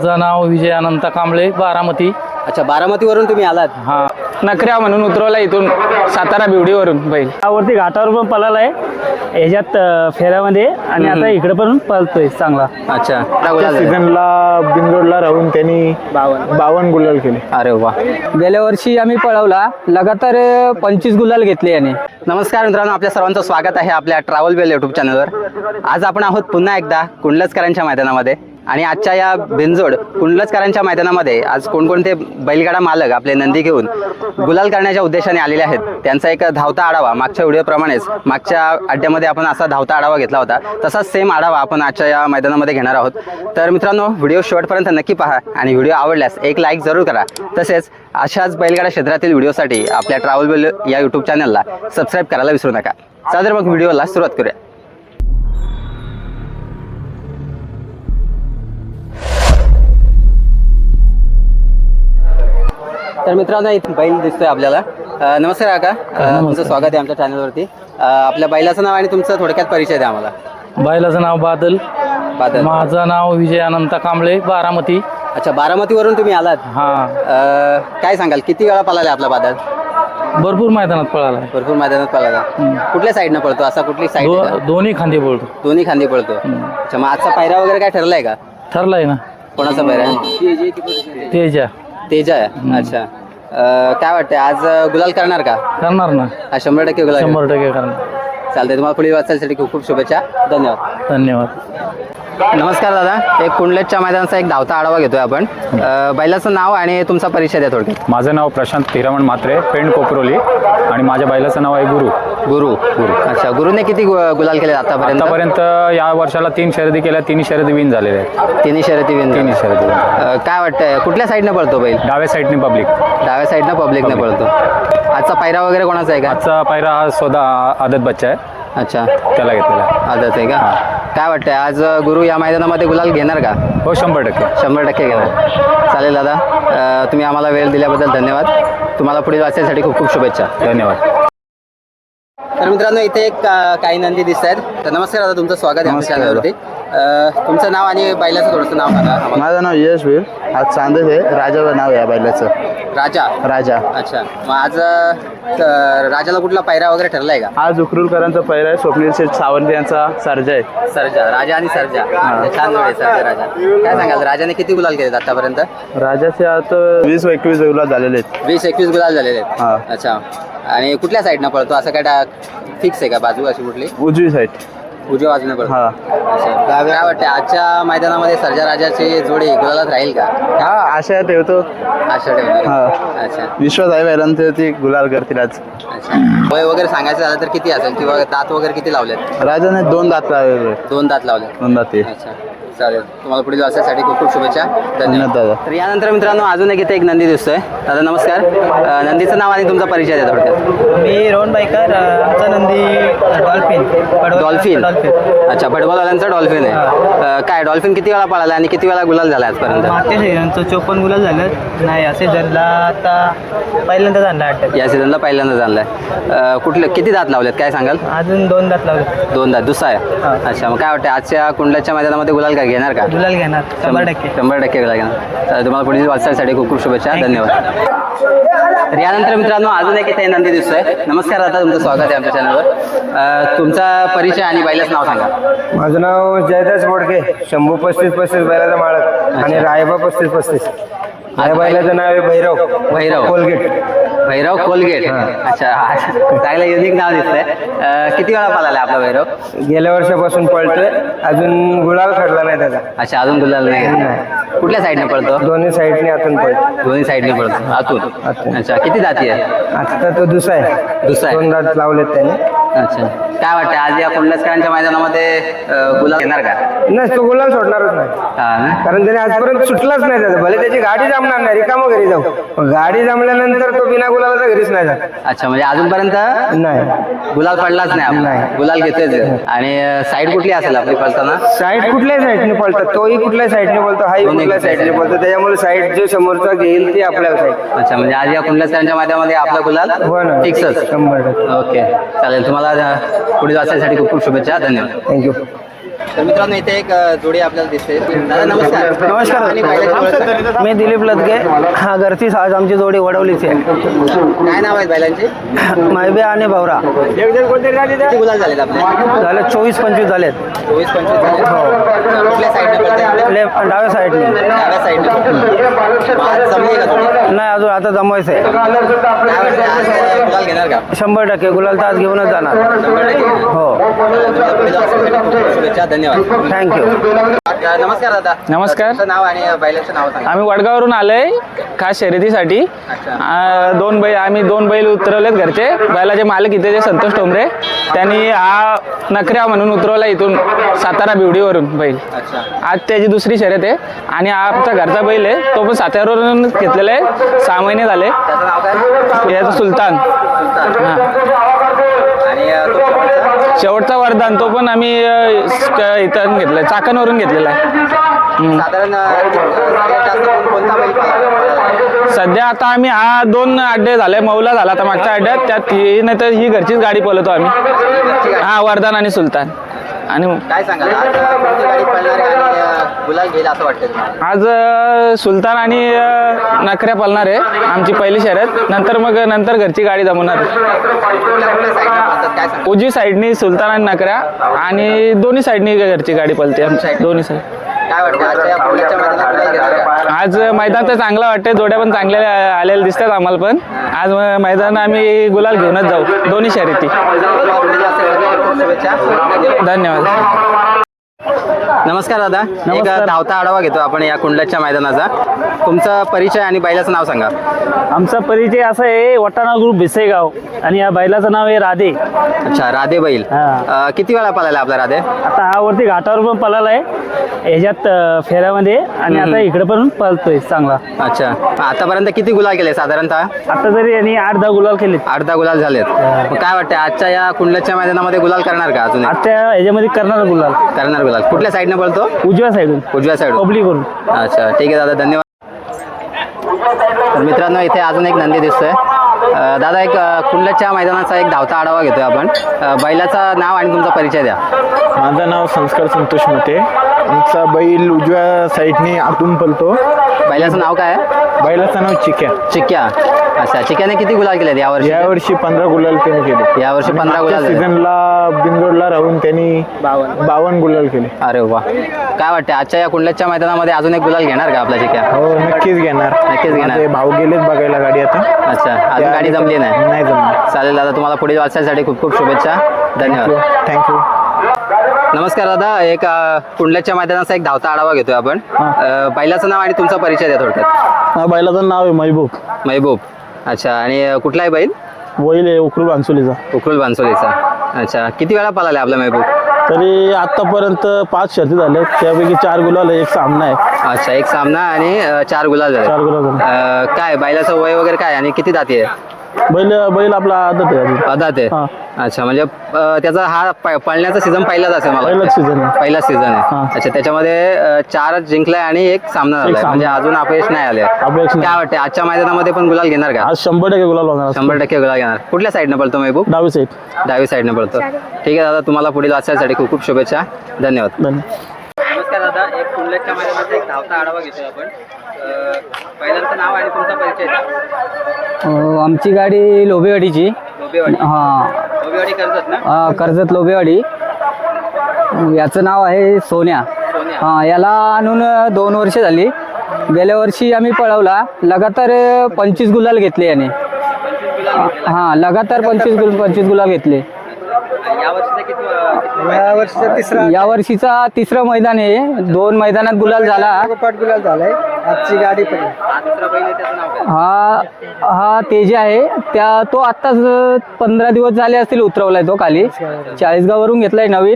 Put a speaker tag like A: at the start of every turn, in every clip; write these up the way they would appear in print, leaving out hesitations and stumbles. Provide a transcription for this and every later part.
A: माझं नाव विजय अनंत कांबळे, बारामती.
B: अच्छा, बारामतीवरून तुम्ही आलात?
A: हा,
C: नकऱ्या म्हणून उतरवला इथून सातारा बिवडीवरून बैल.
D: त्यावरती घाटावर पण पळाला आहे ह्याच्यात फेऱ्यामध्ये आणि आता इकडे पण पळतोय चांगला.
B: अच्छा,
E: सीझनला बिंदोडला राहून त्यांनी 52 गुलाल केले.
B: अरे वा. गेल्या वर्षी आम्ही पळवला लगातार 25 गुलाल घेतले याने. नमस्कार मित्रांनो, आपल्या सर्वांचं स्वागत आहे आपल्या ट्रॅव्हल बेल यूट्यूब चॅनलवर. आज आपण आहोत पुन्हा एकदा कुंडलचकरांच्या मैदानामध्ये आणि आजच्या या बिनजोड कुंडलचकरांच्या मैदानामध्ये आज कोणकोणते बैलगाडा मालक आपले नंदी घेऊन गुलाल करण्याच्या उद्देशाने आलेले आहेत त्यांचा एक धावता आढावा. मागच्या व्हिडिओप्रमाणेच मागच्या अड्ड्यामध्ये आपण असा धावता आढावा घेतला होता, तसाच सेम आढावा आपण आजच्या या मैदानामध्ये घेणार आहोत. तर मित्रांनो, व्हिडिओ शेवटपर्यंत नक्की पहा आणि व्हिडिओ आवडल्यास एक लाईक जरूर करा. तसेच अशाच बैलगाडा क्षेत्रातील व्हिडिओसाठी आपल्या ट्रॅव्हल बेल या यूट्यूब चॅनलला सबस्क्राईब करायला विसरू नका. चला तर मग व्हिडिओला सुरुवात करूया. तर मित्रांनो, इथे बैल दिसतोय आपल्याला. नमस्कार काका, तुमचं स्वागत आहे आमच्या चॅनलवरती. आपल्या बैलाचं नाव आणि तुमचं थोडक्यात परिचय द्या आम्हाला.
A: बैलाचं नाव बादल. माझं नाव विजय अनंत कांबळे, बारामती.
B: अच्छा, बारामतीवरून तुम्ही आलात?
A: हा.
B: काय सांगाल, किती वेळा पळाला आपला बादल?
A: भरपूर मैदानात पळाला.
B: भरपूर मैदानात पळाला. कुठल्या साईडनं पळतो, असा कुठली साईड?
A: दोन्ही खांदे पळतो.
B: दोन्ही खांदी पळतो. अच्छा, मग आजचा पायरा वगैरे काय ठरलाय का?
A: ठरलाय ना.
B: कोणाचा पायरा?
A: तेजा.
B: तेजा आहे. अच्छा, काय वाटतंय आज गुलाल करणार का?
A: करणार ना.
B: 100% गुलाल.
A: 100% करणार.
B: चालतंय. तुम्हाला पुढील वाटचालीसाठी खूप खूप शुभेच्छा. धन्यवाद.
A: धन्यवाद.
B: नमस्कार दादा, एक कुंडलेच्या मैदानाचा एक धावता आढावा घेतोय आपण. बैलाचं नाव आणि तुमचा परिचय द्या थोडक्यात.
E: माझं नाव प्रशांत हिरामण म्हात्रे, पेंड कोपरोली, आणि माझ्या बैलाचं नाव आहे गुरु.
B: गुरु. अच्छा, गुरुने किती गुलाल केले
E: आतापर्यंत? या वर्षाला 3 शर्यती केल्या, 3 शर्यती विन झालेल्या आहेत.
B: तिन्ही शर्यती विन.
E: तिन्ही शर्यती win.
B: काय वाटतंय, कुठल्या साईडनं पळतो बैल?
E: डाव्या साईडने पब्लिक.
B: डाव्या साईडनं पब्लिकने पळतो. आजचा पायरा वगैरे कोणाचा आहे का?
E: आजचा पायरा हा स्वतः आदत बच्चा आहे.
B: अच्छा,
E: त्याला घेतलेला.
B: आदत आहे का? काय वाटतंय आज गुरु या मैदानामध्ये गुलाल घेणार का?
E: हो, 100%.
B: 100% घेणार. चालेल दादा, तुम्ही आम्हाला वेळ दिल्याबद्दल धन्यवाद. तुम्हाला पुढील वाचण्यासाठी खूप खूप शुभेच्छा.
E: धन्यवाद.
B: तर मित्रांनो, इथे एक काही नंदी दिसत आहेत. तर नमस्कार दादा, तुमचं स्वागत आहे आमच्या चॅनलवरती. तुमचं नाव आणि बैलाचं थोडंसं नाव सांगा आम्हाला.
F: माझं नाव यशवीर. आज चांदच आहे. राजा नाव आहे या बैलाचं. राजा.
B: अच्छा, मग आज राजाला कुठला पायरा वगैरे ठरलाय का?
F: आज उकरूलकरांचा पहिला आहे. स्वप्नील शेठ सावंत यांचा सर्जा आहे.
B: सर्जा. राजा आणि सर्जा. छान जोड आहे सर्जा राजा. काय सांगाल, राजाने किती गुलाल केले आतापर्यंत?
F: राजाचे आता 20-21 गुलाल झालेले आहेत.
B: 20-21 गुलाल झालेले आहेत.
F: हा.
B: अच्छा, आणि कुठल्या साईडनं पळतो, असं काय फिक्स आहे का? बाजू अशी कुठली?
F: उजवी साईड.
B: उजव्या बाजूने पळतो.
F: हा.
B: अच्छा, काय वाटतं आजच्या मैदानामध्ये सर्जा राजाची जोडी गुलालात राहील का?
F: हा, आशा ठेवतो.
B: आशा ठेवणार.
F: हा.
B: अच्छा.
F: विश्वास आहे बैलांचे, ती गुलाल करतील आज.
B: अच्छा, वय वगैरे सांगायचं झालं तर किती असेल, किंवा दात वगैरे किती लावलेत?
F: राजाने 2 दात लावले.
B: 2 दात लावले.
F: 2 दात.
B: अच्छा, चालेल. तुम्हाला पुढील वाचण्यासाठी खूप खूप शुभेच्छा.
F: धन्यवाद दादा.
B: तर यानंतर मित्रांनो, अजून एक इथे एक नंदी दिसतोय. दादा नमस्कार, नंदीचं नाव आणि तुमचा परिचय द्या थोडक्यात.
D: मी रोहन बाईकर. आमचा नंदी
B: डॉल्फिन. अच्छा, फुटबॉलवाल्यांचा डॉल्फिन आहे. काय डॉल्फिन किती वेळा पळाला आणि किती वेळा गुलाल झाला आजपर्यंत?
D: मागच्या सीझनचं 54 गुलाल झालं. नाही, या सीझनला आता पहिल्यांदा झाला अटॅक.
B: या सीझनला पहिल्यांदा झालाय. कुठले किती दात लावलेत काय सांगाल?
D: अजून 2 दात लावले.
B: 2 दात. दुसरा आहे. अच्छा, मग काय वाटतं आजच्या कुंडलाच्या मैदानामध्ये गुलाल काय घेणार का?
D: गुलाल घेणार 100%.
B: 100% गुलाल घेणार. तर तुम्हाला पुढील वाचण्यासाठी खूप खूप शुभेच्छा. धन्यवाद. तर यानंतर मित्रांनो, अजून एक इथे नंदी दिसतोय. नमस्कार दादा, तुमचं स्वागत आहे आमच्या चॅनलवर. तुमचा परिचय आणि बैलाचं नाव सांगा.
G: माझं नाव जयदास बोडके, शंभू 35-35 बैलाचा मालक, आणि रायबा 35-35. या बैलाचं नाव आहे भैरव कोलगेट.
B: भैरव कोलगेट. अच्छा, चांगलं युनिक नाव दिसतंय. किती वेळा पळाला आपला भैरव?
G: गेल्या वर्षापासून पळतोय, अजून गुलाल खडला नाही त्याचा.
B: अच्छा, अजून गुलाल नाही. कुठल्या साईडने पळतो?
G: दोन्ही साईडने आतून पळतो.
B: दोन्ही साईडने पळतो आतून. अच्छा, किती जाती आहे?
G: आता तो दुसरा आहे.
B: 2
G: दात लावलेत त्याने.
B: अच्छा, काय वाटतं आज या कुंडलचकरांच्या मैदानामध्ये गुलाल घेणार का?
G: नाही, तो गुलाल सोडणारच नाही,
B: हा ना?
G: कारण त्याने आजपर्यंत सुटलाच नाही त्याचा. भले त्याची गाडी जमणार नाही, रिकामं घरी जाऊ, पण गाडी जमल्यानंतर तो बिना गुलालाचा घरीच नाही जात.
B: अच्छा, म्हणजे अजूनपर्यंत
G: नाही,
B: गुलाल पडलाच नाही आपला. गुलाल घेतोच. आणि साईड कुठली असेल आपली पळताना?
G: साईड कुठल्या साईडने पळतात, तोही कुठल्या साईडने पळतो, हाही कुठल्या साईडने पळतो. त्याच्यामुळे साईड जे समोरचा घेईल ती आपल्याला साईड.
B: अच्छा, म्हणजे आज या कुंडलचकरांच्या मैदानामध्ये आपला गुलाल
G: हो ना,
B: फिक्सच.
G: 100%.
B: ओके, चालेल. तुम्हाला पुढील वाचण्यासाठी खूप खूप शुभेच्छा. धन्यवाद.
G: थँक्यू.
B: तर मित्रांनो इथे एक जोडी आपल्याला दिसते. दादा नमस्कार.
G: नमस्कार.
B: आणि बैलाची ओळख सांगा.
G: मी दिलीप लदगे. हा घरची आज आमची जोडी वडवलीची आहे.
B: काय नाव आहेत बैलांचे?
G: मायबे आणि भावरा.
B: किती गुलाल झालेत आपले?
G: झाले 24-25 झालेत.
B: 24-25 झाले. कुठल्या साईडने पळताय?
G: डाव्या साईडने.
B: डाव्या साईडने. आज जमली का जोडी?
G: नाही अजून आता जमवायचं आहे.
B: काय वाटतं आज गुलाल घेणार का?
G: 100% गुलाल तर आज घेऊनच जाणार.
B: 100%.
G: हो.
B: तुला पुढे जाण्यासाठी खूप खूप शुभेच्छा. धन्यवाद.
G: थँक्यू.
B: नमस्कार दादा.
C: नमस्कार.
B: तुमचं नाव आणि बैलाचं नाव सांगा.
C: आम्ही वडगावरून आलोय खास शर्यतीसाठी. आम्ही दोन बैल उतरवलेत घरचे. बैलाचे मालक इथे जे संतोष टोंबरे त्यांनी हा नखऱ्या म्हणून उतरवला इथून सातारा बिवडीवरून बैल.
B: अच्छा.
C: आज त्याची दुसरी शर्यत आहे आणि हा आमचा घरचा बैल आहे. तो पण साताऱ्यावरून घेतलेला आहे. 6 महिने झाले.
B: त्याचं नाव काय?
C: याचा सुलतान.
B: सुलतान.
C: हां.
B: आणि तो शेवटचा?
C: शेवटचा वरदान तो पण आम्ही इथं घेतलाय, चाकणवरून घेतलेला आहे.
B: साधारण सगळ्यात जास्त कोणता बैल पळाला?
C: सध्या आता आम्ही 2 अड्डे झाले. मौला झाला आता मागच्या अड्ड्यात. त्यात ही नाही तर ही घरचीच गाडी पळवतो आम्ही. हा वरदान आणि सुलतान. आणि
B: काय सांगाल आज कोणती गाडी पळणार आहे आणि गुलाल घेईल असं वाटतं तुम्हाला?
C: आज सुलतान आणि नखऱ्या पळणार आहे आमची पहिली शर्यत. नंतर घरची गाडी जमवणार.
B: कुठल्या साईडने पळतात काय सांगा?
C: उजवी साईडनी सुलतान आणि नखऱ्या आणि दोन्ही साईडनी घरची गाडी पळते आमची. दोन्ही साईड.
B: काय वाटतं आजच्या या पुण्याच्या मैदानात गुलाल घेणार का?
C: आज मैदान तर चांगलं वाटतंय. जोड्या पण चांगल्या आलेल्या दिसतात आम्हाला पण. आज मैदान आम्ही गुलाल घेऊनच जाऊ दोन्ही शर्यती.
B: तुम्हाला पुढे जाण्यासाठी खूप शुभेच्छा.
C: धन्यवाद.
B: नमस्कार दादा. एक धावता आढावा घेतो आपण या कुंडलाच्या मैदानाचा. तुमचा परिचय आणि बैलाचं नाव सांगा.
D: आमचा परिचय असा आहे, वटाणा ग्रुप भिसेगाव आणि या बैलाचं नाव आहे राधे.
B: अच्छा. राधे बैल.
D: हा.
B: किती वेळा पळाला आपला राधे?
D: आता हा वरती घाटावर पण पळाला आहे ह्याच्यात फेऱ्यामध्ये आणि आता इकडे पण पळतोय चांगला.
B: अच्छा. आतापर्यंत किती गुलाल केले साधारणतः?
D: आता तरी यांनी 8-10 गुलाल केले.
B: 8-10 गुलाल झालेत. मग काय वाटतं आजच्या या कुंडलाच्या मैदानामध्ये गुलाल करणार का अजून?
D: आता ह्याच्यामध्ये करणार गुलाल
B: करणार गुलाल. कुठल्या साईडने पळतो?
D: उजव्या साईडून
B: उजव्या साईड.
D: पब्लिक करून.
B: अच्छा. ठीक आहे दादा. धन्यवाद. तर मित्रांनो इथे अजून एक नंदी दिसतोय. दादा एक कुंडलाच्या मैदानाचा एक धावता आढावा घेतोय आपण. बैलाचं नाव आणि तुमचा परिचय द्या.
E: माझं नाव संस्कार संतोष मते. आमचा बैल उजव्या साईडने आतून पळतो.
B: बैलाचं नाव काय आहे?
E: बैलाचं नाव चिक्या.
B: चिक्या. अच्छा. चिक्याने किती गुलाल केले यावर्षी?
E: यावर्षी 15 गुलाल त्यांनी केले.
B: यावर्षी 15 गुलाल झाले.
E: सीझनला बिंदोडला राहून त्यांनी 52 गुलाल केले.
B: अरे वा. काय वाटतं आजच्या या कुंडलाच्या मैदानामध्ये अजून एक गुलाल घेणार का आपला चिक्या?
E: हो नक्कीच घेणार.
B: नक्कीच घेणार.
E: माझे भाऊ गेलेत बघायला गाडी आता.
B: अच्छा. अजून गाडी जमली नाही?
E: नाही जमली.
B: चालेल दादा. तुम्हाला पुढील वाटचालीसाठी खूप खूप शुभेच्छा. धन्यवाद.
E: थँक्यू.
B: नमस्कार दादा. एक कुंडलाच्या मैदानाचा एक धावता आढावा घेतोय आपण. बैलाचं नाव आणि तुमचा परिचय द्या थोडक्यात.
A: बैलाचं नाव आहे महबूब.
B: महबूब. अच्छा. आणि कुठला आहे बैल?
A: वैल आहे उकरूल बांसुलीचा.
B: उकरुल बांसोलीचा. अच्छा. किती वेळा पळाला आपला महबूब?
A: तरी आतापर्यंत 5 शर्ती झाल्या. त्यापैकी 4 गुलाल आहे, 1 सामना आहे.
B: अच्छा. 1 सामना आणि 4 गुलाल झाले.
A: 4 गुलाल झाले.
B: काय बैलाचं वय वगैरे काय आणि किती दाती आहे?
A: बैल आपला आदत आहे अजून.
B: आदात आहे.
A: हा.
B: अच्छा. म्हणजे त्याचा हा पळण्याचा सीझन पहिलाच असेल मला
A: पहिलाच
B: वाटतं.
A: सीझन आहे.
B: पहिलाच सीझन आहे.
A: हा.
B: अच्छा. त्याच्यामध्ये 4 जिंकलाय आणि 1 सामना झालाय.
A: सामना.
B: म्हणजे अजून अपयश नाही आले.
A: अपयश नाही.
B: काय वाटतं आजच्या मैदानामध्ये पण गुलाल घेणार का?
A: आज 100% गुलाल होणार.
B: 100% गुलाल घेणार. कुठल्या साईडने पळतो महबूब?
A: डावी साईड.
B: डावी साईडने पळतो. ठीक आहे दादा. तुम्हाला पुढील वाटचालीसाठी खूप खूप शुभेच्छा. धन्यवाद. नमस्कार दादा. एक कुंडलाच्या मैदानाचा एक धावता आढावा घेतोय आपण. पहिल्यांचं नाव आणि तुमचा परिचय द्या.
H: आमची गाडी लोबेवाडीची.
B: लोबेवाडी.
H: हां.
B: लोबेवाडी करतात ना?
H: कर्जत लोबेवाडी. याचं नाव आहे सोन्या. हां. याला आणून 2 वर्ष झाली. गेल्या वर्षी आम्ही पळवला. लगातार 25 गुलाल घेतले याने. हां. लगातार 25 गुलाल घेतले. या वर्षीचा तिसरं मैदान आहे. 2 मैदानात गुलाल झाला.
G: गुलाल झालाय. आजची गाडी पण
H: हा तेज आहे. तो आत्ताच 15 दिवस झाले असतील उतरवलाय तो खाली. 40 वरून घेतलाय नवीन.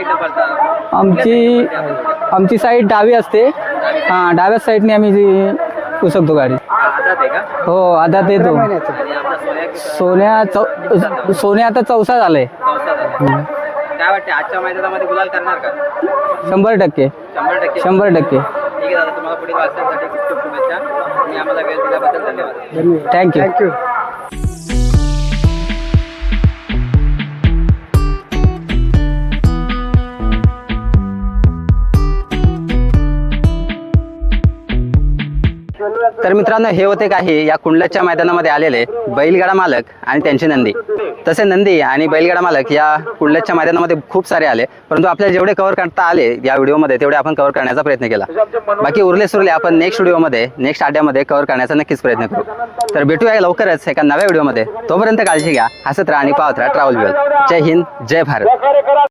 H: आमची साईड डावी असते. हां. डाव्या साईडने आम्ही पुसकतो गाडी. हो आदात येतो. सोन्या आता 4सा झालाय.
B: काय वाटते आजच्या मैदानामध्ये गुलाल करणार का?
H: 100%.
B: 100%. ठीक आहे दादा. तुम्हाला पुढील वाटचालीसाठी खूप खूप शुभेच्छा. आणि आम्हाला वेळ दिल्याबद्दल धन्यवाद.
H: थँक्यू.
B: तर मित्रांनो, हे होते काही या कुंडलच्या मैदानामध्ये आलेले बैलगाडा मालक आणि त्यांचे नंदी. तसे नंदी आणि बैलगाडा मालक या कुंडलच्या मैदानामध्ये खूप सारे आले, परंतु आपल्याला जेवढे कव्हर करता आले या व्हिडिओमध्ये तेवढे आपण कव्हर करण्याचा प्रयत्न केला. बाकी उरले सुरले आपण नेक्स्ट व्हिडिओमध्ये नेक्स्ट आड्यामध्ये कव्हर करण्याचा नक्कीच प्रयत्न करू. तर भेटूया लवकरच एका नव्या व्हिडिओमध्ये. तोपर्यंत काळजी घ्या, हसत राहा आणि पाहत राहा ट्रॅव्हल वेल. जय हिंद, जय भारत.